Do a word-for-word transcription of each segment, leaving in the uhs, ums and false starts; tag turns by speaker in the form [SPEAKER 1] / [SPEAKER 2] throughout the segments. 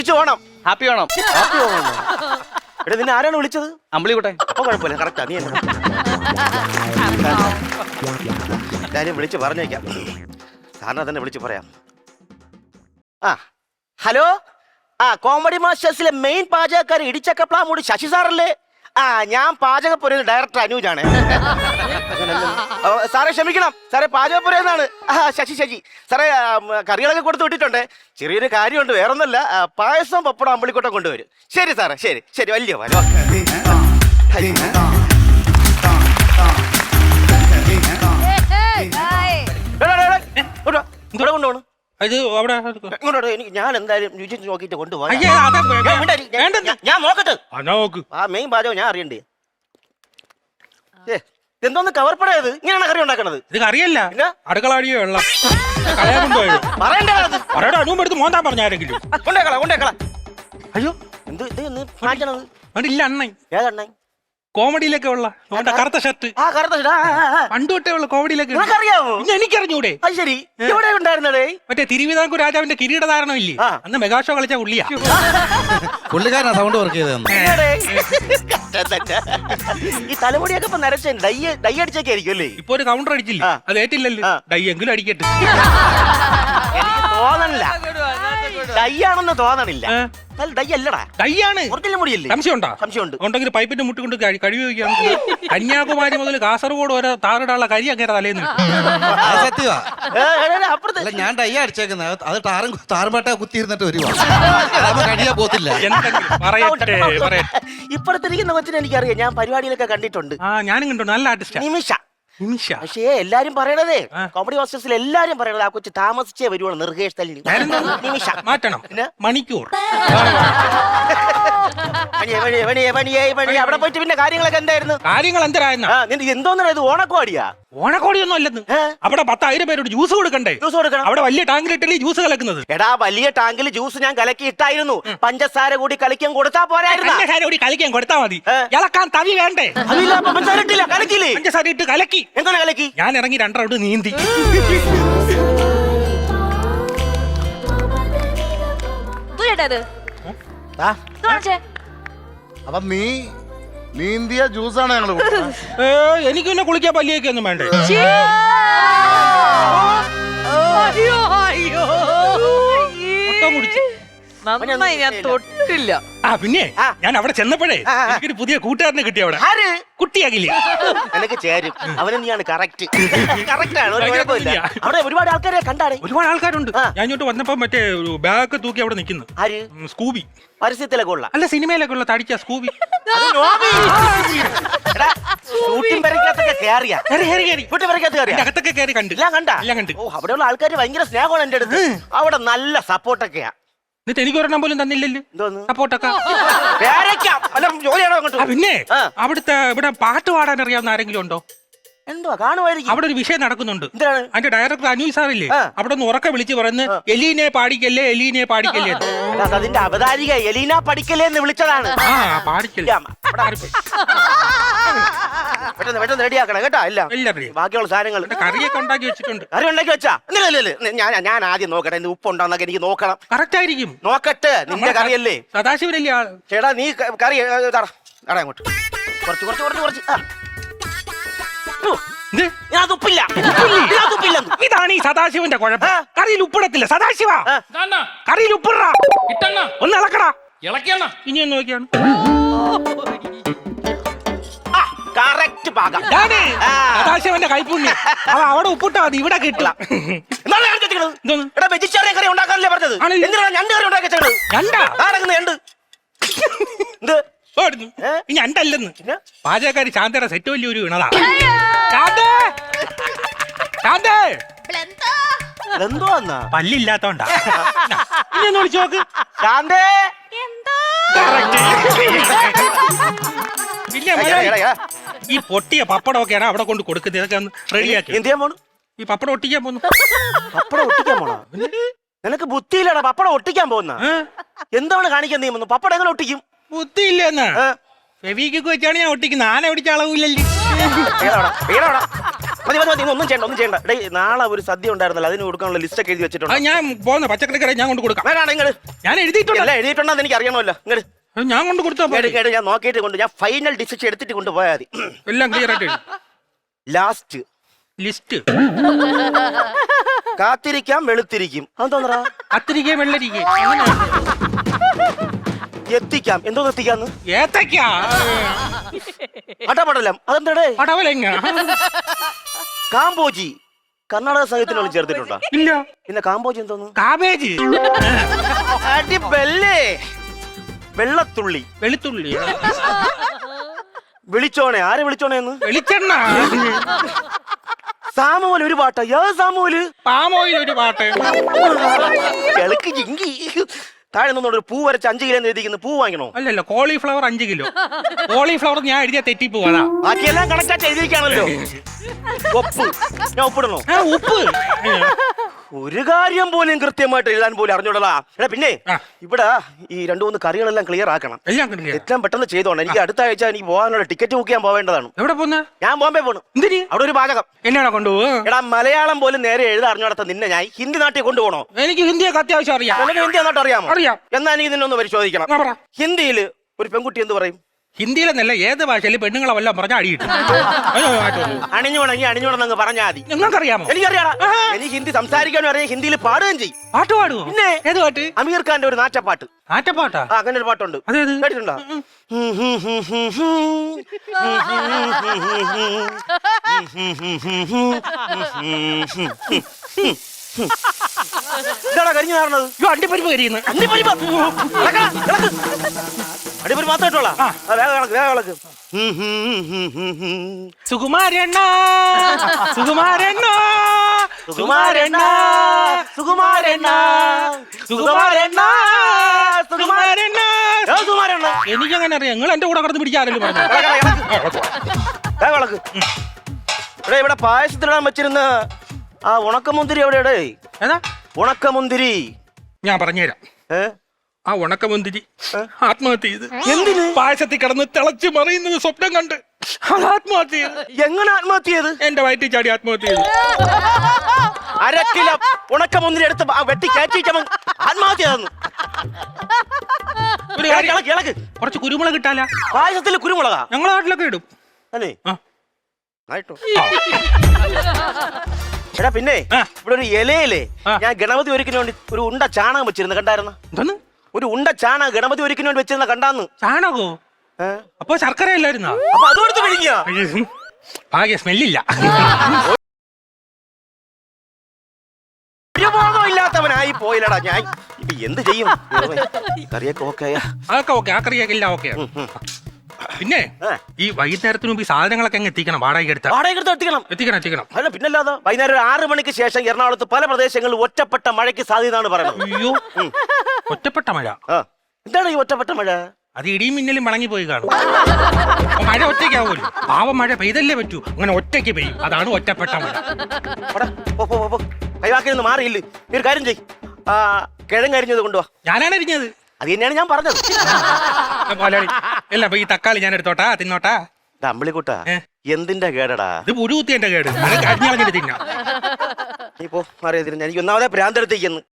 [SPEAKER 1] Onam.
[SPEAKER 2] Happy Onam.
[SPEAKER 1] Happy Onam. എടാ നിന്നെ ആരാണ് വിളിച്ചത്?
[SPEAKER 2] അമ്പിളിക്കുട്ടൻ.
[SPEAKER 1] അപ്പൊ കുഴപ്പമില്ല, കറക്റ്റാ. നീ എല്ലാരും വിളിച്ച് പറഞ്ഞേക്കാം. സാറിനെ തന്നെ വിളിച്ച് പറയാം. ആ ഹലോ, ആ കോമഡി മാസ്റ്റേഴ്സിലെ മെയിൻ പാചകക്കാരൻ ഇടിച്ചക്കപ്ലാമൂടി ശശി സാറല്ലേ? ആ ഞാൻ പാചകപ്പുരയിൽ ഡയറക്ടർ അനൂജാണ്. സാറേ ക്ഷമിക്കണം സാറേ, പാചകപ്പുരയെന്നാണ്. ആ ശശി ശശി സാറേ, കറികളൊക്കെ കൊടുത്തു വിട്ടിട്ടുണ്ട്. ചെറിയൊരു കാര്യമുണ്ട്, വേറൊന്നുമല്ല. പായസം പപ്പടം അമ്പിളിക്കോട്ടം കൊണ്ടുവരും. ശരി സാറേ, ശരി ശരി. വലിയ വരോ ഇവിടെ കൊണ്ടുപോകണം. ഞാൻ എന്തായാലും രുചി നോക്കിട്ട് കൊണ്ടുപോകാം. ഞാൻ നോക്കട്ടെ. ആ മെയിൻ പാചകം ഞാൻ അറിയണ്ടേ. എന്തോന്ന് കവർപ്പടയത്? ഇങ്ങനെയാണ് കറി ഉണ്ടാക്കണത്?
[SPEAKER 3] ഇത് അറിയല്ല, അടുക്കളാടിയോ വെള്ളം
[SPEAKER 1] പറയണ്ടത്
[SPEAKER 3] മോന്താൻ പറഞ്ഞാരെങ്കിലും
[SPEAKER 1] കൊണ്ടേക്കള കൊണ്ടേക്കള. അയ്യോ എന്ത് ഇത് കാണിക്കണത്?
[SPEAKER 3] ഇല്ല അണ്ണൻ.
[SPEAKER 1] ഏതെണ്ണ?
[SPEAKER 3] കോമഡിയിലൊക്കെ ഉള്ള കറുത്ത ഷർട്ട്.
[SPEAKER 1] ആ കറുത്ത
[SPEAKER 3] പണ്ട് തൊട്ടേ ഉള്ള കോമഡിയിലൊക്കെ
[SPEAKER 1] അറിയാമോ?
[SPEAKER 3] എനിക്കറിഞ്ഞൂടെ?
[SPEAKER 1] അത് ശരി. എവിടെ ഉണ്ടായിരുന്നേ?
[SPEAKER 3] മറ്റേ തിരുവിതാംകൂർ രാജാവിന്റെ കിരീടധാരണം ഇല്ലേ, അന്ന് മെഗാഷോ കളിച്ച പുള്ളിയാ.
[SPEAKER 2] പുള്ളിക്കാരനാ സൗണ്ട് വർക്ക് ചെയ്തത്.
[SPEAKER 1] ഈ തലമുടിയൊക്കെ ഇപ്പൊ നരച്ച ഡൈ ഡൈ അടിച്ചൊക്കെ ആയിരിക്കും അല്ലേ?
[SPEAKER 3] ഇപ്പൊ ഒരു കൗണ്ടർ അടിച്ചില്ലേ, അത് ഏറ്റില്ലല്ലോ. ഡൈ എങ്കിലും അടിക്കട്ടെ.
[SPEAKER 1] എനിക്ക് തോന്നണില്ല ഡൈ ആണെന്ന് തോന്നണില്ല. ഡൈ അല്ലടാ,
[SPEAKER 3] ഡൈ ആണ്. സംശയമുണ്ടോ?
[SPEAKER 1] സംശയമുണ്ട്.
[SPEAKER 3] ഉണ്ടെങ്കിൽ പൈപ്പിന്റെ മുട്ടി കൊണ്ട് കഴിവ് വയ്ക്കാം. കന്യാകുമാരി മുതൽ കാസർഗോഡ് വരെ താറിടാനുള്ള കരി അങ്ങനെ തലേന്ന്.
[SPEAKER 2] അപ്പുറത്ത് ഞാൻ ഡൈ അടിച്ചേക്കുന്നത്, അത് താറും താറുപാട്ട കുത്തിയിരുന്നിട്ട് വരുവാ, കഴിയാ പോത്തില്ല.
[SPEAKER 1] ഇപ്പഴത്തിരിക്കുന്ന കൊച്ചിനെ എനിക്കറിയാം, ഞാൻ പരിപാടിയിലൊക്കെ കണ്ടിട്ടുണ്ട്.
[SPEAKER 3] ആ ഞാനും കണ്ടിട്ടുണ്ട്. നല്ല ആർട്ടിസ്റ്റ്
[SPEAKER 1] നിമിഷ.
[SPEAKER 3] നിമിഷ.
[SPEAKER 1] പക്ഷേ എല്ലാരും പറയണതേ, കോമഡി മാസ്റ്റേഴ്സിൽ എല്ലാരും പറയണത് ആ കൊച്ചു താമസിച്ചേ വരുവാണ്. നിർഗേഷ് തല്ലി നിമിഷ
[SPEAKER 3] മാറ്റണം. മണിക്കൂർ
[SPEAKER 1] അവിടെ പോയിട്ട് പിന്നെ കാര്യങ്ങളൊക്കെ എന്തായിരുന്നു?
[SPEAKER 3] കാര്യങ്ങൾ എന്തായിരുന്നു?
[SPEAKER 1] എന്തോന്നാണ് ഇത്? ഓണക്കോടിയാ?
[SPEAKER 3] ഓണക്കോടിയൊന്നും അല്ലെന്ന്. അവിടെ പത്തായിരം പേരോട് ജ്യൂസ് കൊടുക്കണ്ടേ?
[SPEAKER 1] ജ്യൂസ് കൊടുക്കണം.
[SPEAKER 3] അവിടെ വലിയ ടാങ്കിലിട്ടല്ലേ ജ്യൂസ് കലക്കുന്നത്?
[SPEAKER 1] എടാ വലിയ ടാങ്കിൽ ജ്യൂസ് ഞാൻ കലക്കി ഇട്ടായിരുന്നു. പഞ്ചസാര കൂടി കളിക്കാൻ കൊടുത്താ പോരായിരുന്നു?
[SPEAKER 3] പഞ്ചസാര കൂടി കളിക്കാൻ കൊടുത്താ മതി. ഇളക്കാൻ തവി വേണ്ടേ?
[SPEAKER 1] കലക്കില്ലേ?
[SPEAKER 3] പഞ്ചസാര ഇട്ട് കലക്കി.
[SPEAKER 1] എങ്ങനെ കലക്കി?
[SPEAKER 3] ഞാൻ ഇറങ്ങി രണ്ടര റൗണ്ട് നീന്തി.
[SPEAKER 4] അപ്പൊ നീ നീന്തിയ ജ്യൂസാണ് ഞങ്ങള്.
[SPEAKER 3] എനിക്ക് പിന്നെ കുളിക്കാൻ പല്ലിയൊക്കെ ഒന്നും വേണ്ടേ?
[SPEAKER 5] നന്നായി, ഞാൻ തൊട്ടില്ല.
[SPEAKER 3] ആ പിന്നെ ഞാൻ അവിടെ ചെന്നപ്പോഴേ എനിക്കൊരു പുതിയ കൂട്ടുകാരനെ കിട്ടി. അവിടെ കുട്ടിയാകില്ലേ,
[SPEAKER 1] എനിക്ക് ചേരും. അവന് നീയാണ് കറക്റ്റ്. കറക്റ്റ് ആണ്, ഒരു കുഴപ്പമില്ല. അവിടെ ഒരുപാട് ആൾക്കാരെ കണ്ടാടേ.
[SPEAKER 3] ഒരുപാട് ആൾക്കാരുണ്ട്. ഞാൻ ഇങ്ങോട്ട് വന്നപ്പോ മറ്റേ ബാഗ് തൂക്കി അവിടെ നിൽക്കുന്നു.
[SPEAKER 1] ആര്?
[SPEAKER 3] സ്കൂബി.
[SPEAKER 1] പരസ്യത്തിലൊക്കെ ഉള്ള
[SPEAKER 3] അല്ല, സിനിമയിലൊക്കെ ഉള്ള തടിച്ച സ്കൂബി. അകത്തൊക്കെ കയറി കണ്ടു.
[SPEAKER 1] അവിടെയുള്ള ആൾക്കാർ ഭയങ്കര സ്നേഹമാണ് എന്റെ അടുത്ത്. അവിടെ നല്ല സപ്പോർട്ടൊക്കെയാ.
[SPEAKER 3] എന്നിട്ട് എനിക്ക് ഒരെണ്ണം പോലും തന്നില്ലല്ലോ സപ്പോർട്ടൊക്കെ. പിന്നെ അവിടുത്തെ ഇവിടെ പാട്ട് പാടാൻ അറിയാവുന്ന ആരെങ്കിലും ഉണ്ടോ?
[SPEAKER 1] എന്തുവാ കാണുമായിരിക്കും.
[SPEAKER 3] അവിടെ ഒരു വിഷയം നടക്കുന്നുണ്ട്. അതിന്റെ ഡയറക്ടർ അനൂജ് സാറില്ലേ, അവിടെ നിന്ന് ഉറക്കെ വിളിച്ച് പറയുന്നത് എലീനെ പാടിക്കല്ലേ, എലീനെ പാടിക്കല്ലേ.
[SPEAKER 1] അതിന്റെ അവതാരിക എലീന പഠിക്കല്ലേ എന്ന് വിളിച്ചതാണ്.
[SPEAKER 3] ആ പാടിക്കല്ലേ.
[SPEAKER 1] പെട്ടെന്ന് പെട്ടെന്ന് റെഡിയാക്കണം കേട്ടോ. ഇല്ല ബാക്കിയുള്ള സാധനങ്ങൾ
[SPEAKER 3] കറിയൊക്കെ ഉണ്ടാക്കി വെച്ചിട്ടുണ്ട്.
[SPEAKER 1] കറി ഉണ്ടാക്കി വെച്ചാ ഞാൻ ഞാൻ ആദ്യം നോക്കട്ടെ, എന്ത് ഉപ്പുണ്ടോന്നൊക്കെ എനിക്ക് നോക്കണം.
[SPEAKER 3] കറക്റ്റ് ആയിരിക്കും.
[SPEAKER 1] നോക്കട്ടെ, നിന്റെ കറിയല്ലേ.
[SPEAKER 3] സദാശിവനല്ലേ ആള്.
[SPEAKER 1] ചേട്ടാ നീ കറി അങ്ങോട്ട് കുറച്ച് കുറച്ച് കുറച്ച് കുറച്ച്
[SPEAKER 3] ഇതാണ് ഈ സദാശിവന്റെ കുഴപ്പം. കറിയിൽ ഉപ്പിടത്തില്ല. സദാശിവ കറിയിൽ ഉപ്പിട. ഒന്ന് ഇളക്കടാ. ഇളക്കിയാണ് ഇനി ഒന്ന് നോക്കിയാണ്. സദാശിവന്റെ കൈപ്പുണ്യം. അവ അവിടെ ഉപ്പിട്ടാ മതി, ഇവിടെ കിട്ടില്ല.
[SPEAKER 1] വെജിറ്റേറിയൻ കറി ഉണ്ടാക്കാനല്ലേ പറഞ്ഞത്? ഞണ്ട് കറി ഉണ്ടാക്കി
[SPEAKER 3] ഇനി അണ്ടല്ലെന്ന്. പാചകക്കാരി ശാന്തയുടെ സെറ്റ് വലിയ ഒരു വീണതാ. പല്ലില്ലാത്തോണ്ടാ. ഇനി ഒന്ന് വിളിച്ചു നോക്ക്.
[SPEAKER 1] ശാന്തേ
[SPEAKER 3] ഈ പൊട്ടിയ പപ്പടമൊക്കെയാണ് അവിടെ കൊണ്ട് കൊടുക്കുന്നത്. ഇതൊക്കെ ഒന്ന് റെഡിയാക്കി.
[SPEAKER 1] എന്ത് ചെയ്യാൻ പോണു?
[SPEAKER 3] ഈ പപ്പടം ഒട്ടിക്കാൻ പോന്നു.
[SPEAKER 1] പപ്പടം ഒട്ടിക്കാൻ പോണോ? നിനക്ക് ബുദ്ധിയില്ലാടാ പപ്പടം ഒട്ടിക്കാൻ പോകുന്ന. എന്താണ് കാണിക്കാൻ നീ? പപ്പടം എങ്ങനെ ഒട്ടിക്കും?
[SPEAKER 3] ബുദ്ധിയില്ലെന്നാ. ഫെവിക്കൊക്കെ വെച്ചാണ് ഞാൻ ഒട്ടിക്കുന്നത്. ആന ഒടിച്ച അളവില്ലല്ലേ.
[SPEAKER 1] മതി മതി മതി ഒന്നും ചെയ്യണ്ട ഒന്നും ചെയ്യണ്ട. ഡേ നാളെ ഒരു സദ്യ ഉണ്ടായിരുന്നല്ലോ, അതിന് കൊടുക്കാനുള്ള ലിസ്റ്റ് ഒക്കെ എഴുതി
[SPEAKER 3] ആ,
[SPEAKER 1] വെച്ചിട്ടുണ്ട്.
[SPEAKER 3] ഞാൻ പോകുന്ന പച്ചക്കറി കടയിൽ ഞാൻ കൊണ്ട് കൊടുക്കാം.
[SPEAKER 1] വേണം ഇങ്ങട്
[SPEAKER 3] ഞാൻ എഴുതിയിട്ടുണ്ട്.
[SPEAKER 1] എല്ലാം എഴുതിയിട്ടുണ്ടെന്ന് എനിക്ക് അറിയണമല്ലോ. ഇങ്ങട്
[SPEAKER 3] അത് ഞാൻ കൊണ്ട് കൊടുത്താ
[SPEAKER 1] കേട്
[SPEAKER 3] മതി.
[SPEAKER 1] കേട് ഞാൻ നോക്കിയിട്ട് കൊണ്ട് ഞാൻ ഫൈനൽ ഡിസിഷൻ എടുത്തിട്ട് കൊണ്ടുപോയാൽ മതി.
[SPEAKER 3] എല്ലാം ക്ലിയർ ആയിട്ട് എഴുതി.
[SPEAKER 1] ലാസ്റ്റ്
[SPEAKER 3] ലിസ്റ്റ്
[SPEAKER 1] കാത്തിരിക്കാം വെളുത്തിരിക്കും. അതെന്തോന്നറാ?
[SPEAKER 3] കത്തിരിക്കേ വെള്ളരിക്കേ അങ്ങനെ
[SPEAKER 1] എത്തിക്കാം. എന്തോ എത്തിക്കാന്ന്?
[SPEAKER 3] ഏത്തക്കാ
[SPEAKER 1] അടപടലം. അതെന്താടേ?
[SPEAKER 3] പടവലങ്ങ
[SPEAKER 1] കാമ്പോജി കർണാടക സംഗീതത്തിനോട് ചേർത്തിട്ടുണ്ടോ?
[SPEAKER 3] ഇല്ല.
[SPEAKER 1] പിന്നെ കാമ്പോജി എന്തോന്നു?
[SPEAKER 3] കാബേജ്
[SPEAKER 1] അടിബെല്ലേ. വെള്ളത്തുള്ളി
[SPEAKER 3] വെളുത്തുള്ളി
[SPEAKER 1] വിളിച്ചോണെ. ആരെ വിളിച്ചോണേന്ന്?
[SPEAKER 3] വെളിച്ചെണ്ണ
[SPEAKER 1] സാമുവൽ ഒരു പാട്ടാ. ഏത് സാമുവല്?
[SPEAKER 3] പാമോയിൽ ഒരു പാട്ട്.
[SPEAKER 1] കിളക്ക് ജിങ്കി. താഴെ നിന്നോട് ഒരു പൂ വരച്ച് അഞ്ച് കിലോ എഴുതിയിരിക്കുന്നു. പൂ വാങ്ങണോ?
[SPEAKER 3] അല്ലല്ലോ, കോളിഫ്ലവർ അഞ്ച് കിലോ. കോളിഫ്ലവർ ഞാൻ എഴുതിയ തെറ്റിപ്പോവാ.
[SPEAKER 1] ബാക്കിയെല്ലാം കണക്റ്റായിട്ട് എഴുതിയിരിക്കാണല്ലോ. ഒപ്പ് ഞാൻ ഒപ്പിടണോ?
[SPEAKER 3] ആ, ഉപ്പ്
[SPEAKER 1] ഒരു കാര്യം പോലും കൃത്യമായിട്ട് എഴുതാൻ പോലും അറിഞ്ഞോളാ. എടാ പിന്നെ
[SPEAKER 3] ആ.
[SPEAKER 1] ഇവിടെ ഈ രണ്ടു മൂന്ന് കറികളെല്ലാം ക്ലിയർ ആക്കണം.
[SPEAKER 3] എല്ലാം കിട്ടില്ല.
[SPEAKER 1] എല്ലാം പെട്ടെന്ന് ചെയ്തോണം. എനിക്ക് അടുത്ത ആഴ്ച എനിക്ക് പോകാനുള്ള ടിക്കറ്റ് ബുക്ക് ചെയ്യാൻ പോവേണ്ടതാണ്.
[SPEAKER 3] എവിടെ പോന്ന?
[SPEAKER 1] ഞാൻ ബോംബെ പോണു.
[SPEAKER 3] എന്തിന്?
[SPEAKER 1] അവിടെ ഒരു പാചകം.
[SPEAKER 3] എന്നാണോ കൊണ്ടുപോകും?
[SPEAKER 1] എടാ മലയാളം പോലും നേരെ എഴുതാൻ അറിഞ്ഞോടത്ത നിന്നെ ഞാൻ ഹിന്ദി നാട്ടിൽ കൊണ്ടുപോകണോ?
[SPEAKER 3] എനിക്ക് ഹിന്ദിയൊക്കെ അത്യാവശ്യം അറിയാം.
[SPEAKER 1] നിനക്ക് ഹിന്ദി നന്നായിട്ട് അറിയാമോ?
[SPEAKER 3] അറിയാം.
[SPEAKER 1] എന്നാ എനിക്ക് നിന്നൊന്ന് പരിശോധിക്കണം.
[SPEAKER 3] ആ, പറ.
[SPEAKER 1] ഹിന്ദിയിൽ ഒരു പെൺകുട്ടി എന്ത് പറയും?
[SPEAKER 3] ഹിന്ദിയിലെന്നല്ല, ഏത് ഭാഷയിൽ പെണ്ണുങ്ങളെ വല്ലതും പറഞ്ഞാൽ അടിയിട്ടു.
[SPEAKER 1] അണിഞ്ഞുണങ്ങി അണിഞ്ഞുണങ്ങ് പറഞ്ഞാൽ മതി.
[SPEAKER 3] നിങ്ങൾക്കറിയാമോ?
[SPEAKER 1] എനിക്കറിയാടാ. എനിക്ക് ഹിന്ദി സംസാരിക്കാനും അറിയാം, ഹിന്ദിയിൽ പാടുകയും ചെയ്യും.
[SPEAKER 3] പാട്ട് പാടുവോ?
[SPEAKER 1] പിന്നെ
[SPEAKER 3] ഏത് പാട്ട്?
[SPEAKER 1] അമീർ ഖാന്റെ ഒരു നാറ്റപ്പാട്ട്.
[SPEAKER 3] ആറ്റപ്പാട്ടാ?
[SPEAKER 1] ആ അങ്ങനെ ഒരു പാട്ടുണ്ട്.
[SPEAKER 3] അതേത്?
[SPEAKER 1] കേട്ടിട്ടുണ്ടോ? ഇതാടാ കരിഞ്ഞു നാറുന്നത്.
[SPEAKER 3] അയ്യോ, അണ്ടിപ്പരിപ്പ് കരിയുന്നു.
[SPEAKER 1] അണ്ടിപ്പരിപ്പ്. ഇളക്കടാ, ഇളക്ക്. അണ്ടിപ്പരിപ്പ് മാത്രം ഇട്ടോളാം.
[SPEAKER 3] ആ.
[SPEAKER 1] ആ, വേഗം ഇളക്ക്, വേഗം ഇളക്ക്.
[SPEAKER 3] സുകുമാരണ്ണ സുകുമാരണ്ണ
[SPEAKER 1] സുകുമാരണ്ണ സുകുമാരണ്ണ സുകുമാരണ്ണ
[SPEAKER 3] സുകുമാരണ്ണ.
[SPEAKER 1] ഏ, സുകുമാരണ്ണ.
[SPEAKER 3] എനിക്കങ്ങനെ അറിയാം. നിങ്ങൾ എന്റെ കൂടെ കടന്ന് പിടിക്കാറല്ലോ പറഞ്ഞു.
[SPEAKER 1] ഇളക്കടാ, ഇളക്ക്. വേഗം ഇളക്ക്. ഇവിടെ ഇവിടെ പായസത്തിലിടാൻ വെച്ചിരുന്ന ആ ഉണക്കമുന്തിരി എവിടെയാടേ?
[SPEAKER 3] ഏതാ
[SPEAKER 1] ഉണക്കമുന്തിരി.
[SPEAKER 3] ഞാൻ പറഞ്ഞുതരാം.
[SPEAKER 1] ഏ
[SPEAKER 3] ആ ഉണക്കമുന്തിരി ആത്മഹത്യ ചെയ്ത്
[SPEAKER 1] എന്തിന്?
[SPEAKER 3] പായസത്തിൽ കിടന്ന് തിളച്ചു മറിയുന്നത് സ്വപ്നം കണ്ട് അത് ആത്മഹത്യ ചെയ്ത്.
[SPEAKER 1] എങ്ങനെ ആത്മഹത്യ ചെയ്ത്?
[SPEAKER 3] എന്റെ വയറ്റിൽ ചാടി ആത്മഹത്യ ചെയ്തു.
[SPEAKER 1] അര കിലോ ഉണക്കമുന്തിരി എടുത്ത് ആ വെട്ടി കയറ്റിച്ചവൻ ആത്മഹത്യ ചെയ്തെന്ന്.
[SPEAKER 3] ഒരു കാര്യം,
[SPEAKER 1] ഇളക്ക്, ഇളക്ക്.
[SPEAKER 3] കുറച്ച് കുരുമുളക് കിട്ടാല.
[SPEAKER 1] പായസത്തിൽ കുരുമുളകാ?
[SPEAKER 3] ഞങ്ങളെ നാട്ടിലൊക്കെ ഇടും.
[SPEAKER 1] അല്ലേ?
[SPEAKER 3] ആ.
[SPEAKER 1] ആയിട്ടോ. എടാ പിന്നെ
[SPEAKER 3] ആ.
[SPEAKER 1] ഇവിടെ ഒരു ഇലയിലേ
[SPEAKER 3] ആ.
[SPEAKER 1] ഞാൻ ഗണപതി ഒരുക്കിന് വേണ്ടി ഒരു ഉണ്ട ചാണകം വെച്ചിരുന്ന കണ്ടായിരുന്ന?
[SPEAKER 3] എന്താന്ന്?
[SPEAKER 1] ഒരു ഉണ്ട ചാണകം ഗണപതി ഒരുക്കിന് വേണ്ടി വെച്ചിരുന്ന കണ്ടാന്ന്?
[SPEAKER 3] ചാണകോ?
[SPEAKER 1] ഏ?
[SPEAKER 3] അപ്പൊ ശർക്കര അല്ലായിരുന്നോ?
[SPEAKER 1] അപ്പൊ അതുകൊടുത്ത് വിഴുങ്ങിയ
[SPEAKER 3] ഭാഗ്യ സ്മെല്ലില്ല.
[SPEAKER 1] ഒരു ബോധം ഇല്ലാത്തവനായി പോയില്ലടാ ഞാൻ. ഇപ്പൊ എന്ത് ചെയ്യും? കറിയൊക്കെ ഓക്കെ.
[SPEAKER 3] അതൊക്കെ ഓക്കെ, ആ കറിയൊക്കെ ഇല്ല ഓക്കെ. പിന്നെ
[SPEAKER 1] ആ.
[SPEAKER 3] ഈ വൈകുന്നേരത്തിന് മുമ്പ് ഈ സാധനങ്ങളൊക്കെ അങ്ങ് എത്തിക്കണം. വാടക എടുത്ത
[SPEAKER 1] വാടക എടുത്ത് എത്തിക്കണം.
[SPEAKER 3] എത്തിക്കണം എത്തിക്കണം.
[SPEAKER 1] അല്ല പിന്നല്ലാതെ വൈകുന്നേരം ഒരു ആറ് മണിക്ക് ശേഷം എറണാകുളത്ത് പല പ്രദേശങ്ങളിൽ ഒറ്റപ്പെട്ട മഴയ്ക്ക് സാധ്യതയാണ് പറയുന്നത്.
[SPEAKER 3] അയ്യോ, ഒറ്റപ്പെട്ട മഴ.
[SPEAKER 1] ആ. എന്താണ് ഈ ഒറ്റപ്പെട്ട മഴ?
[SPEAKER 3] അത് ഇടിയും മിന്നലും മടങ്ങി പോയി കാണും. അപ്പൊ മഴ ഒറ്റയ്ക്കാവൂല്ലോ. പാവം മഴ പെയ്തല്ലേ പറ്റൂ. അങ്ങനെ ഒറ്റയ്ക്ക് പെയ്യും. അതാണ് ഒറ്റപ്പെട്ട മഴ.
[SPEAKER 1] എടാ, പോ, പോ, പോ, പോ. കൈവാക്കിൽ നിന്ന് മാറിയില്ല. നീ ഒരു കാര്യം ചെയ്. ആ കിഴങ്ങരിഞ്ഞത് കൊണ്ടുവാ.
[SPEAKER 3] ഞാനാണ് അരിഞ്ഞത്.
[SPEAKER 1] അത് തന്നെയാണ് ഞാൻ പറഞ്ഞത്.
[SPEAKER 3] പോലാളി അല്ല, അപ്പൊ ഈ തക്കാളി ഞാൻ എടുത്തോട്ടാ, തിന്നോട്ടാ.
[SPEAKER 1] അമ്പിളിക്കുട്ട
[SPEAKER 3] ഏ?
[SPEAKER 1] എന്തിന്റെ കേടടാ?
[SPEAKER 3] ഇത് പുഴു കുത്തി എന്റെ കേട്. അത് അരിഞ്ഞളഞ്ഞിട്ട് തിന്നാം.
[SPEAKER 1] നീ പോ അറിയാതിരുന്ന എനിക്ക് ഒന്നാമതെ ഭ്രാന്തെടുത്തേക്കെന്ന്.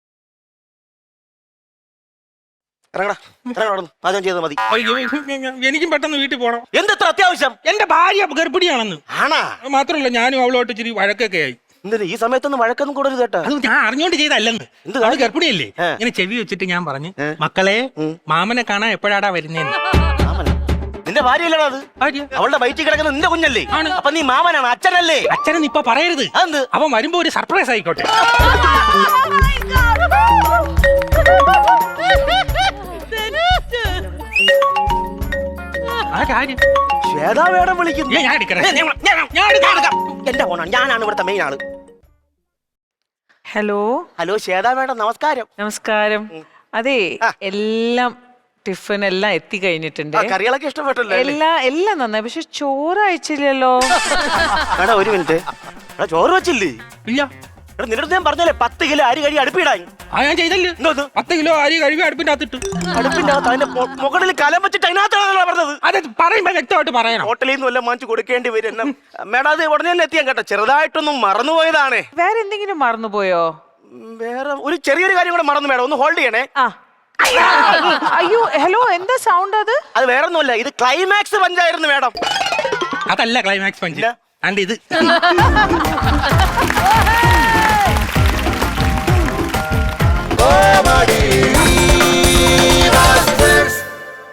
[SPEAKER 1] ഇറങ്ങടാ, ഇറങ്ങണം. പാചകം ചെയ്താൽ മതി.
[SPEAKER 3] അയ്യോ, എനിക്കും പെട്ടെന്ന് വീട്ടിൽ പോണം.
[SPEAKER 1] എന്തെത്ര അത്യാവശ്യം?
[SPEAKER 3] എന്റെ ഭാര്യ ഗർഭിണിയാണെന്ന്.
[SPEAKER 1] ആണാ?
[SPEAKER 3] അത് മാത്രമല്ല, ഞാനും അവളോട്ട് ഇച്ചിരി വഴക്കൊക്കെ ആയി.
[SPEAKER 1] എന്തിന് ഈ സമയത്തൊന്നും വഴക്കൊന്നും കൂടരുത് കേട്ടാ.
[SPEAKER 3] അത് ഞാൻ അറിഞ്ഞോണ്ട് ചെയ്തല്ലെന്ന്.
[SPEAKER 1] എന്ത്
[SPEAKER 3] അത് ഗർഭിണിയല്ലേ?
[SPEAKER 1] ഏ.
[SPEAKER 3] ഇങ്ങനെ ചെവി വെച്ചിട്ട് ഞാൻ പറഞ്ഞു,
[SPEAKER 1] ഏ.
[SPEAKER 3] മക്കളെ
[SPEAKER 1] ഉം.
[SPEAKER 3] മാമനെ കാണാൻ എപ്പോഴാടാ വരുന്നേന്ന്.
[SPEAKER 1] മാമനാ? നിന്റെ ഭാര്യയല്ലടാ അത്?
[SPEAKER 3] ഭാര്യ
[SPEAKER 1] അവളുടെ വയറ്റിൽ കിടക്കുന്ന നിന്റെ കുഞ്ഞല്ലേ?
[SPEAKER 3] ആണ്.
[SPEAKER 1] അപ്പൊ നീ മാമനാണ്, അച്ഛനല്ലേ?
[SPEAKER 3] അച്ഛനെന്ന് ഇപ്പൊ പറയരുത്.
[SPEAKER 1] അതെന്ത്?
[SPEAKER 3] അവൻ വരുമ്പോ ഒരു സർപ്രൈസ് ആയിക്കോട്ടെ. ആ കാര്യം
[SPEAKER 1] ശ്വേതാ വേടം വിളിക്കുന്നു.
[SPEAKER 3] ഏ, ഞാൻ എടുക്കണേ.
[SPEAKER 1] ഏ, ഞാൻ- ഞാൻ- ഞാൻ എടുക്കാം, എടുക്കാം. എന്റെ ഫോണാണ്, ഞാനാണ് ഇവിടുത്തെ മെയിൻ ആള്.
[SPEAKER 5] ഹലോ
[SPEAKER 1] ഹലോ ശ്വേതാ വേടം, നമസ്കാരം.
[SPEAKER 5] നമസ്കാരം. അതെ,
[SPEAKER 1] ആ.
[SPEAKER 5] എല്ലാം ടിഫിൻ എല്ലാം എത്തി കഴിഞ്ഞിട്ടുണ്ട്.
[SPEAKER 1] ആ കറികളൊക്കെ ഇഷ്ടപ്പെട്ടല്ലോ അല്ലേ?
[SPEAKER 5] എല്ലാം എല്ലാം നന്നായി. പക്ഷെ ചോറ് അയച്ചില്ലല്ലോ.
[SPEAKER 1] എടാ ഒരു മിനിറ്റ്. എടാ ചോറ് വെച്ചില്ലേ?
[SPEAKER 3] ഇല്ല.
[SPEAKER 1] എടാ നിന്റെ അടുത്ത് ഞാൻ പറഞ്ഞല്ലേ പത്ത് കിലോ അരി കഴി അടുപ്പിടാൻ.
[SPEAKER 3] ആ ഞാൻ ചെയ്തല്ലേ
[SPEAKER 1] എന്തോന്ന്?
[SPEAKER 3] പത്ത് കിലോ അരി കഴുകി അടുപ്പിന്റെ അകത്തിട്ട്.
[SPEAKER 1] അടുപ്പിന്റെ അകത്ത് അതിന്റെ മു- മുകളിൽ കലം വെച്ചിട്ട് അതിനകത്താണല്ലോ പറഞ്ഞത്.
[SPEAKER 3] അത് പറയുമ്പോ വ്യക്തമായിട്ട് പറയണം.
[SPEAKER 1] ഹോട്ടലിൽ നിന്ന് വല്ലതും വാങ്ങിച്ചു കൊടുക്കേണ്ടി വരും എന്നെ. മേഡം അത് ഉടനെ തന്നെ എത്തിയാൻ കേട്ടോ, ചെറുതായിട്ടൊന്നും മറന്നുപോയതാണ്.
[SPEAKER 5] വേറെ എന്തെങ്കിലും മറന്നുപോയോ?
[SPEAKER 1] ഉം, വേറെ ഒരു ചെറിയൊരു കാര്യം കൂടെ മറന്നു മേഡം, ഒന്ന് ഹോൾഡ് ചെയ്യണേ.
[SPEAKER 5] ആ അയ്യോ ഹലോ, എന്താ സൗണ്ട് അത്?
[SPEAKER 1] അത് വേറെ ഒന്നുമല്ല, ഇത് ക്ലൈമാക്സ് പഞ്ചായിരുന്നു മേഡം.
[SPEAKER 3] അതല്ല ക്ലൈമാക്സ് പഞ്ച്.
[SPEAKER 1] ഇല്ല.
[SPEAKER 3] ആണ്ട് ഇത്
[SPEAKER 1] കോമഡി